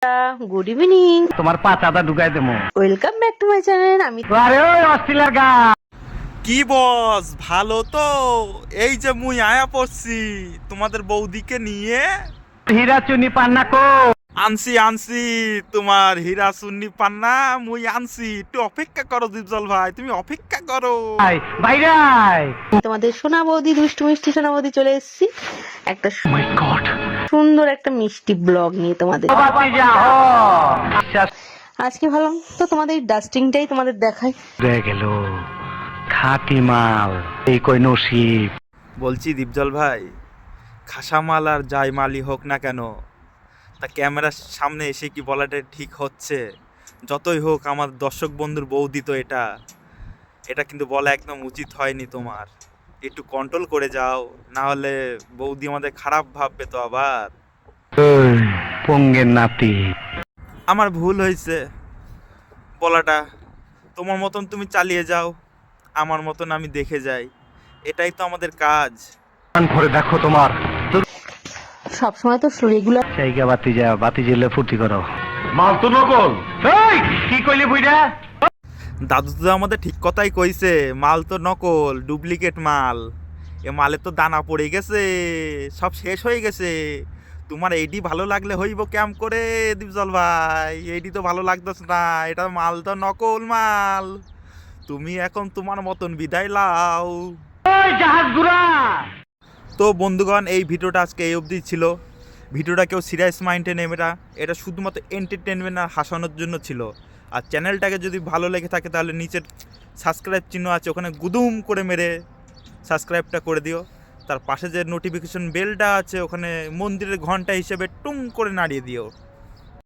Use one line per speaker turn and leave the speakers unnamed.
Good evening,
তোমার পাচাটা ঢুকাই দেবো।
Welcome back to my channel. আমি
আরে ওই অস্ট্রেলিয়ার গা
কি বস, ভালো তো? এই যে মুই আয়া পড়ছি তোমাদের বৌদিকে নিয়ে।
হীরা চুনি পান্না কো
আনছি তোমার হীরা সুন্নি পান্না মুই আনছি। একটু অপেক্ষা করো দীপজল ভাই, তুমি অপেক্ষা করো।
ভাই বাইরাই।
তোমাদের সোনা বৌদি, দুষ্টু মিষ্টি সোনা বৌদি চলে এসেছি একটা
মাই গড,
সুন্দর একটা মিষ্টি ব্লগ নিয়ে তোমাদের।
বাতি যা হো আচ্ছা
আজকে ভাবলাম তো তোমাদের ডাস্টিংটাই তোমাদের দেখাই।
রয়ে গেল খাঁটি মাল, এই কই নসিব।
বলছি দীপজল ভাই, খাসা মাল আর যাই মালই হোক না কেন, তা ক্যামেরার সামনে এসে কি বলাটা ঠিক হচ্ছে? যতই হোক আমার দর্শক বন্ধুর বৌদি তো এটা কিন্তু বলা একদম উচিত হয়নি তোমার। একটু কন্ট্রোল করে যাও, না হলে বৌদি আমাদের খারাপ ভাববে তো আবার।
ওই পঙ্গের নাতি,
আমার ভুল হয়েছে বলাটা। তোমার মতন তুমি চালিয়ে যাও, আমার মতন আমি দেখে যাই, এটাই তো আমাদের কাজ।
কান ভরে দেখো তোমার
সবসময় তো রেগুলার
জায়গা বাতি জ্বলে ফুর্তি করো। মাল তো নকল। এই কি কইলি বুইড়া?
দাদু তো আমাদের ঠিক কথাই কইছে, মাল তো নকল, ডুপ্লিকেট মাল। এ মালে তো দানা পড়ে গেছে, সব শেষ হয়ে গেছে। তোমার এইটি ভালো লাগলে হইব ক্যাম করে দীপজল ভাই, এইটি তো ভালো লাগতেছে না, এটা মাল তো নকল মাল। তুমি এখন তোমার মতন বিদায় লাও।
ওই জাহাজ গুড়া।
তো বন্ধুগণ, এই ভিডিওটা আজকে এই অবধি ছিল। ভিডিওটা কেউ সিরিয়াস মাইন্ডে নেবে না, এটা শুধুমাত্র এন্টারটেনমেন্ট আর হাসানোর জন্য ছিল। আর চ্যানেলটাকে যদি ভালো লেগে থাকে তাহলে নিচের সাবস্ক্রাইব চিহ্ন আছে, ওখানে গুদুম করে মেরে সাবস্ক্রাইবটা করে দিও। তার পাশে যে নোটিফিকেশন বেলটা আছে ওখানে মন্দিরের ঘন্টা হিসেবে টুং করে নাড়িয়ে দিও।